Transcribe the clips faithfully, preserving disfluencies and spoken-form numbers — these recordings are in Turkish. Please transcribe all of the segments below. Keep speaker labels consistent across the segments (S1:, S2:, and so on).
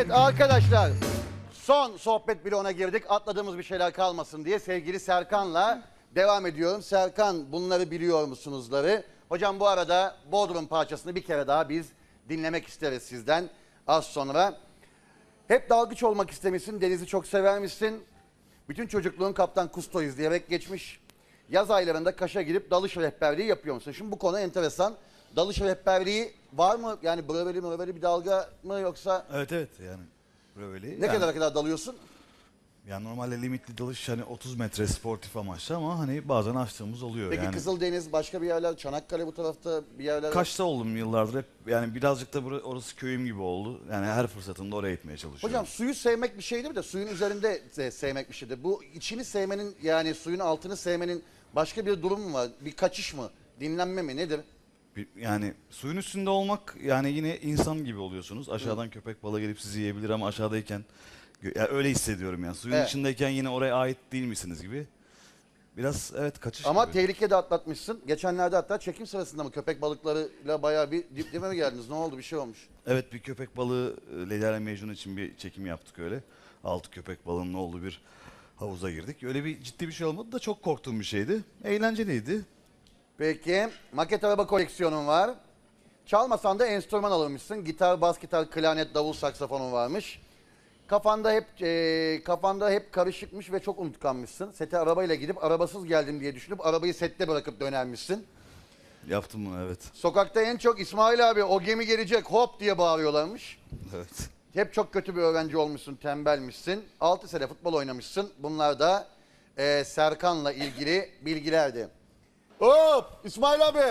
S1: Evet arkadaşlar, son sohbet bloğuna girdik. Atladığımız bir şeyler kalmasın diye sevgili Serkan'la devam ediyorum. Serkan, bunları biliyor musunuzları? Hocam bu arada Bodrum parçasını bir kere daha biz dinlemek isteriz sizden az sonra. Hep dalgıç olmak istemişsin, denizi çok severmişsin. Bütün çocukluğun Kaptan Kusto izleyerek geçmiş. Yaz aylarında Kaş'a gidip dalış rehberliği yapıyor musun? Şimdi bu konu enteresan. Dalış rehberliği var mı? Yani breveli mreveli bir dalga mı yoksa?
S2: Evet evet yani böyle.
S1: Ne
S2: yani,
S1: kadar kadar dalıyorsun?
S2: Yani normalde limitli dalış hani otuz metre sportif amaçlı ama hani bazen açtığımız oluyor.
S1: Peki
S2: yani.
S1: Kızıldeniz, başka bir yerler, Çanakkale bu tarafta bir yerler.
S2: Kaş'ta oldum yıllardır hep yani birazcık da bura- orası köyüm gibi oldu. Yani her fırsatımda oraya gitmeye çalışıyorum.
S1: Hocam suyu sevmek bir şeydir de suyun üzerinde de sevmek bir şeydir. Bu içini sevmenin, yani suyun altını sevmenin başka bir durum mu var? Bir kaçış mı? Dinlenme mi? Nedir?
S2: Bir- Yani suyun üstünde olmak yani yine insan gibi oluyorsunuz. Aşağıdan
S1: Hı.
S2: köpek balığı gelip sizi yiyebilir ama aşağıdayken gö- ya öyle hissediyorum yani. Suyun
S1: Evet.
S2: içindeyken yine oraya ait değil misiniz gibi. Biraz evet kaçış
S1: Ama
S2: gibi.
S1: tehlike de atlatmışsın. Geçenlerde hatta çekim sırasında mı köpek balıklarıyla bayağı bir dipleme mi geldiniz? Ne oldu? Bir şey olmuş.
S2: Evet bir köpek balığı e, Leyla ile Mecnun için bir çekim yaptık öyle. Altı köpek balığının olduğu bir havuza girdik. Öyle bir ciddi bir şey olmadı da çok korktuğum bir şeydi. Eğlenceliydi.
S1: Peki, maket araba koleksiyonun var. Çalmasan da enstrüman alırmışsın. Gitar, bas gitar, klarnet, davul, saksafonun varmış. Kafanda hep e, kafanda hep karışıkmış ve çok unutkanmışsın. Sete arabayla gidip arabasız geldim diye düşünüp arabayı sette bırakıp dönermişsin.
S2: Yaptım bunu evet.
S1: Sokakta en çok İsmail abi o gemi gelecek hop diye bağırıyorlarmış.
S2: Evet.
S1: Hep çok kötü bir öğrenci olmuşsun, tembelmişsin. altı sene futbol oynamışsın. Bunlar da e, Serkan'la ilgili bilgilerdi. Hop! İsmail abi!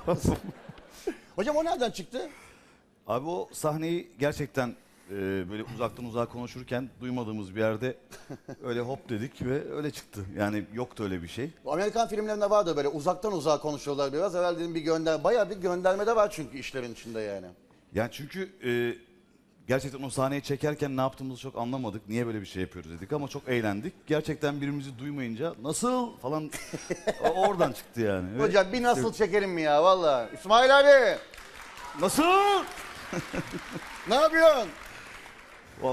S1: Hocam o nereden çıktı?
S2: Abi o sahneyi gerçekten e, böyle uzaktan uzağa konuşurken duymadığımız bir yerde öyle hop dedik ve öyle çıktı. Yani yoktu öyle bir şey.
S1: Bu Amerikan filmlerinde vardı böyle uzaktan uzağa konuşuyorlar biraz. Evvel dedim bir gönder, bayağı bir gönderme de var çünkü işlerin içinde yani.
S2: Yani çünkü e, gerçekten o sahneyi çekerken ne yaptığımızı çok anlamadık. Niye böyle bir şey yapıyoruz dedik ama çok eğlendik. Gerçekten birbirimizi duymayınca nasıl falan o- oradan çıktı yani. Ve
S1: Hocam bir nasıl çekelim mi ya valla? İsmail abi
S2: nasıl?
S1: ne yapıyorsun?
S2: Hop.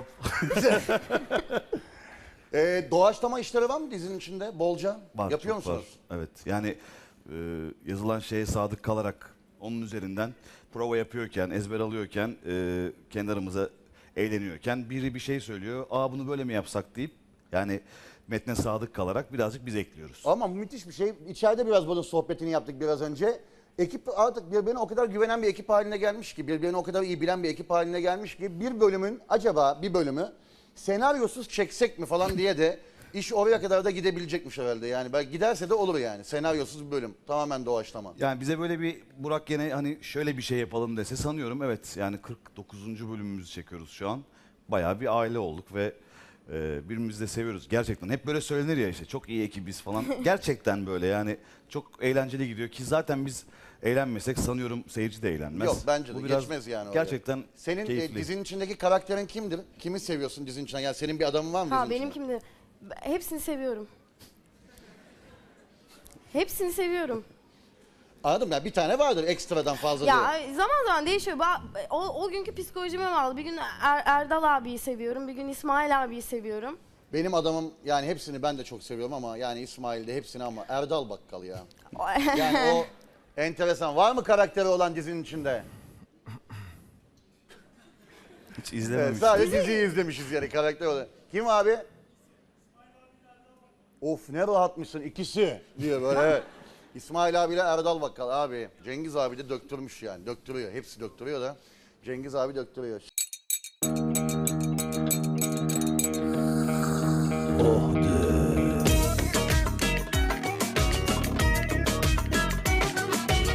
S1: Ee, doğaçlama işleri var mı dizinin içinde bolca?
S2: Var,
S1: Yapıyor
S2: çok
S1: musunuz?
S2: var. Evet yani e, yazılan şeye sadık kalarak onun üzerinden prova yapıyorken, ezber alıyorken, e, kendi aramıza eğleniyorken biri bir şey söylüyor. Aa bunu böyle mi yapsak deyip yani metne sadık kalarak birazcık biz ekliyoruz.
S1: Ama müthiş bir şey. İçeride biraz bunun sohbetini yaptık biraz önce. Ekip artık birbirine o kadar güvenen bir ekip haline gelmiş ki, birbirini o kadar iyi bilen bir ekip haline gelmiş ki bir bölümün acaba bir bölümü senaryosuz çeksek mi falan diye de iş oraya kadar da gidebilecekmiş herhalde. Yani belki giderse de olur yani. Senaryosuz bir bölüm. Tamamen doğaçlama.
S2: Yani bize böyle bir Burak gene hani şöyle bir şey yapalım dese sanıyorum evet yani kırk dokuzuncu bölümümüzü çekiyoruz şu an. Bayağı bir aile olduk ve e, birbirimizi de seviyoruz. Gerçekten hep böyle söylenir ya işte çok iyi ekibiz falan. Gerçekten böyle yani çok eğlenceli gidiyor ki zaten biz eğlenmesek sanıyorum seyirci de eğlenmez.
S1: Yok bence de
S2: Bu biraz
S1: geçmez yani oraya.
S2: Gerçekten
S1: Senin e,
S2: keyifli.
S1: dizinin içindeki karakterin kimdir? Kimi seviyorsun dizinin içinde? Yani senin bir adamın var mı
S3: Ha
S1: dizinin
S3: benim
S1: içinde?
S3: kimdi? Hepsini seviyorum. Hepsini seviyorum.
S1: Anladım ya, bir tane vardır ekstradan fazla diye.
S3: Ya zaman zaman değişiyor. Ba- O, o günkü psikolojime bağlı. Bir gün Er- Erdal abiyi seviyorum, bir gün İsmail abiyi seviyorum.
S1: Benim adamım yani hepsini ben de çok seviyorum ama yani İsmail'de hepsini ama Erdal Bakkal ya. Yani o enteresan. Var mı karakteri olan dizinin içinde?
S2: Hiç
S1: Evet,
S2: izlememiştim.
S1: sadece diziyi izlemişiz yani karakter olarak. Kim abi? Of ne rahatmışsın ikisi diyor böyle evet. İsmail abiyle Erdal Bakkal abi. Cengiz abi de döktürmüş yani. Döktürüyor. Hepsi döktürüyor da. Cengiz abi döktürüyor.
S2: Oh